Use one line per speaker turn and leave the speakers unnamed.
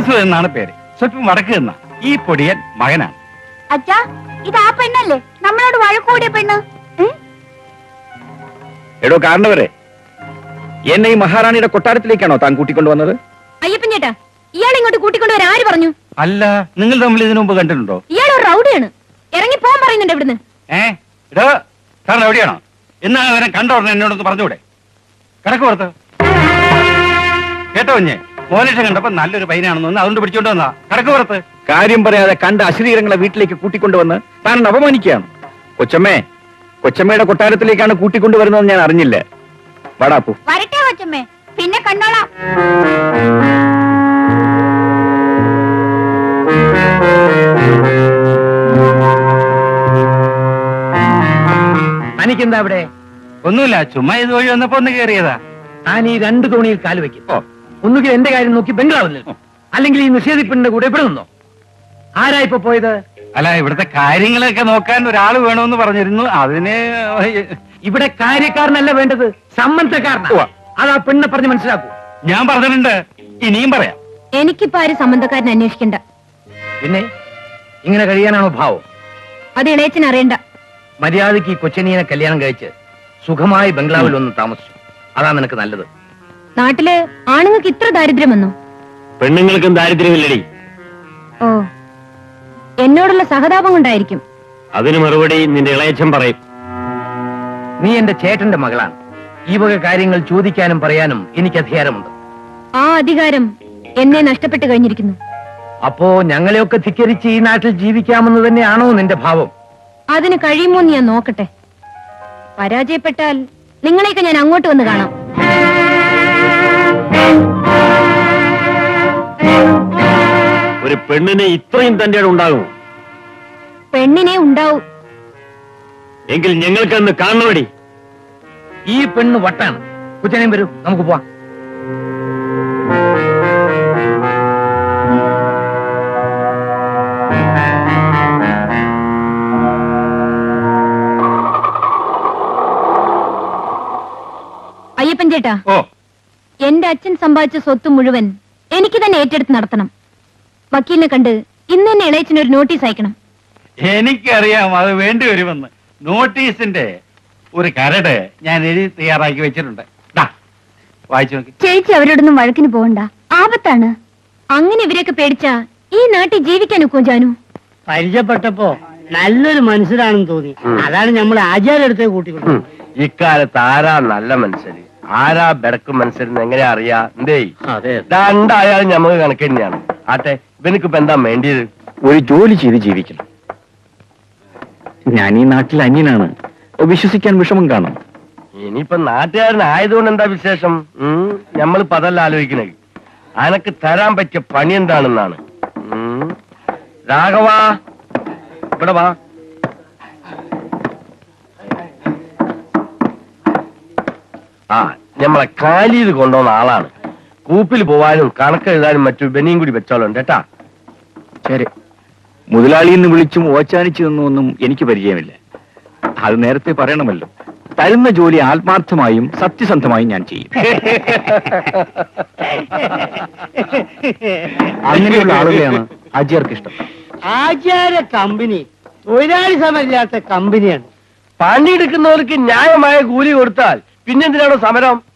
വാസു എന്നാണ് പേര്. സ്വല്പം വടക്ക് നിന്ന ഈ പൊടിയൻ മകനാണ്.
അച്ഛാ, ഇത് ആ പെണ്ണല്ലേ നമ്മളോട് വഴക്കൂടിയ പെണ്ണ്?
എടോ കാരണവരെ, എന്നെ ഈ മഹാറാണിയുടെ കൊട്ടാരത്തിലേക്കാണോ താൻ കൂട്ടിക്കൊണ്ടുവന്നത്?
അയ്യപ്പൻ ചേട്ടാ, ഇയാൾ ഇങ്ങോട്ട് കൂട്ടിക്കൊണ്ടുവരാൻ ആര് പറഞ്ഞു?
അല്ല, നിങ്ങൾ തമ്മിൽ ഇതിനു മുമ്പ് കണ്ടിട്ടുണ്ടോ?
ഇയാൾ ഒരു റൗഡിയാണ്, ഇറങ്ങി പോകാൻ പറയുന്നുണ്ട് ഇവിടുന്ന്.
ഇടോ, സാറിന് എവിടെയാണോ? എന്നാ അവരെ കണ്ടോടനെ എന്നോടൊന്ന് പറഞ്ഞുകൂടെ? കിടക്ക് പുറത്ത്. കേട്ടോ കുഞ്ഞെ, മോലേഷൻ കണ്ടപ്പോ നല്ലൊരു പൈനാണെന്ന് അതുകൊണ്ട് പിടിച്ചോണ്ട് വന്നാ. കിടക്ക് പുറത്ത്.
കാര്യം പറയാതെ കണ്ട അശ്രീരങ്ങളെ വീട്ടിലേക്ക് കൂട്ടിക്കൊണ്ടുവന്ന് താൻ അപമാനിക്കുകയാണ്. കൊച്ചമ്മയുടെ കൊട്ടാരത്തിലേക്കാണ് കൂട്ടിക്കൊണ്ടുവരുന്നത് ഞാൻ അറിഞ്ഞില്ല. വടാപ്പു
വരട്ടെ കൊച്ചമ്മേ, പിന്നെ കണ്ടോളാം.
തനിക്കെന്താ അവിടെ?
ഒന്നുമില്ല, ചുമ്മാ ഇത് വഴി വന്നപ്പോ ഒന്ന് കയറിയതാ.
താൻ ഈ 2 തോണിയിൽ കാല് വെക്കും. ഒന്നുകിൽ എന്റെ കാര്യം നോക്കി ബംഗ്ലാവിൽ, അല്ലെങ്കിൽ ഈ നിഷേധിപ്പിന്റെ കൂടെ ഇവിടെ നിന്നോ. ആരാ ഇപ്പൊ പോയത്?
അല്ല, ഇവിടുത്തെ കാര്യങ്ങളൊക്കെ നോക്കാൻ ഒരാള് വേണമെന്ന് പറഞ്ഞിരുന്നു. അതിന്
ഇവിടെ കാര്യക്കാരനല്ല വേണ്ടത്, സംബന്ധക്കാരനാ. അതാ പെണ്ണെ പറഞ്ഞ് മനസ്സിലാക്കൂ.
ഞാൻ പറഞ്ഞിട്ടുണ്ട്, ഇനിയും പറയാം.
എനിക്കിപ്പോ ആര് സംബന്ധക്കാരനെ അന്വേഷിക്കണ്ട.
പിന്നെ ഇങ്ങനെ കഴിയാനാണോ ഭാവം?
അത് ഇളയച്ചൻ അറിയണ്ട.
മര്യാദയ്ക്ക് ഈ കൊച്ചനിയെ കല്യാണം കഴിച്ച് സുഖമായി ബംഗ്ലാവിൽ ഒന്ന് താമസിച്ചു. അതാ നിനക്ക് നല്ലത്.
നാട്ടില് ആണുങ്ങൾക്ക് ഇത്ര ദാരിദ്ര്യം വന്നു?
പെണ്ണുങ്ങൾക്കും ദാരിദ്ര്യമില്ലടി.
ഓ, എന്നോടുള്ള സഹതാപം കൊണ്ടായിരിക്കും.
അതിന് മറുപടി നിന്റെ ഇളയച്ചൻ പറയും.
നീ എന്റെ ചേട്ടന്റെ മകളാണ്. ഈ വക കാര്യങ്ങൾ ചോദിക്കാനും പറയാനും എനിക്ക് അധികാരമുണ്ട്.
ആ അധികാരം എന്നെ നഷ്ടപ്പെട്ടു കഴിഞ്ഞിരിക്കുന്നു.
അപ്പോ ഞങ്ങളെയൊക്കെ ധിക്കരിച്ച് ഈ നാട്ടിൽ ജീവിക്കാമെന്ന് തന്നെയാണോ നിന്റെ ഭാവം?
അതിന് കഴിയുമോ ഞാൻ നോക്കട്ടെ. പരാജയപ്പെട്ടാൽ നിങ്ങളെയൊക്കെ ഞാൻ അങ്ങോട്ട് വന്ന് കാണാം.
ഒരു പെണ്ണിനെ ഇത്രയും തന്റെ ഉണ്ടാകും?
പെണ്ണിനെ ഉണ്ടാവും.
എങ്കിൽ ഞങ്ങൾക്കന്ന് കാണണമടി.
ഈ പെണ്ണ് വട്ടാണ്. കൊച്ചനെയും വരൂ, നമുക്ക് പോവാം.
അയ്യപ്പൻ ചേട്ടാ,
ഓ,
എന്റെ അച്ഛൻ സമ്പാദിച്ച സ്വത്ത് മുഴുവൻ എനിക്ക് തന്നെ ഏറ്റെടുത്ത് നടത്തണം. വക്കീലിനെ കണ്ട് ഇന്ന് തന്നെ ഇളയച്ചനൊരു നോട്ടീസ് അയക്കണം.
എനിക്കറിയാം അത് വേണ്ടി വരുമെന്ന്. നോട്ടീസിന്റെ ഒരു കരട് ഞാൻ എഴുതി തയ്യാറാക്കി വെച്ചിട്ടുണ്ട്. വായിച്ചു നോക്കി.
ചേച്ചി അവരോടൊന്നും വഴക്കിന് പോകണ്ട, ആപത്താണ്. അങ്ങനെ ഇവരെയൊക്കെ പേടിച്ചാ ഈ നാട്ടിൽ ജീവിക്കാൻ ഒക്കും ജാനു.
പരിചയപ്പെട്ടപ്പോ നല്ലൊരു മനുഷ്യരാണെന്ന് തോന്നി. അതാണ് നമ്മൾ ആചാര്യടുത്തേ കൂട്ടിക്കൊണ്ടു.
ഇക്കാലത്ത് ആരാ നല്ല മനുഷ്യര്, ആരാ ബെടക്ക് മനുഷ്യരെന്ന് എങ്ങനെ അറിയാ? എന്തേ രണ്ടായാലും ഞമ്മക്ക് കണക്ക് തന്നെയാണ്. ആട്ടെ, ഇവനിക്കിപ്പോ എന്താ വേണ്ടിയത്? ഒരു ജോലി ചെയ്ത് ജീവിക്കണം. ഞാൻ ഈ നാട്ടിൽ അന്യനാണ്, വിശ്വസിക്കാൻ വിഷമം കാണും. ഇനിയിപ്പൊ നാട്ടുകാരനായതുകൊണ്ട് എന്താ വിശേഷം? ഞമ്മളിപ്പോ അതല്ല ആലോചിക്കണേ. അനക്ക് തരാൻ പറ്റിയ പണി എന്താണെന്നാണ്. രാഘവാ, ഇവിടെ വാ. ആ, ഞമ്മളെ കാലിയത് കൊണ്ടുവന്ന ആളാണ്. കൂപ്പിൽ പോവാനും കണക്കെഴുതാനും മറ്റു ബനിയും കൂടി വെച്ചോളുണ്ട് കേട്ടാ. ശരി. മുതലാളിയെന്ന് വിളിച്ചും ഓച്ചാനിച്ചു നിന്നൊന്നും എനിക്ക് പരിചയമില്ല. അത് നേരത്തെ പറയണമല്ലോ. തരുന്ന ജോലി ആത്മാർത്ഥമായും സത്യസന്ധമായും ഞാൻ ചെയ്യും. അങ്ങനെയുള്ള ആളുകളെയാണ് ആചാര്യർക്ക് ഇഷ്ടം.
ആചാര്യ കമ്പനി തൊഴിലാളി സമരമില്ലാത്ത കമ്പനിയാണ്.
പണിയെടുക്കുന്നവർക്ക് ന്യായമായ കൂലി കൊടുത്താൽ പിന്നെന്തിനാണോ സമരം?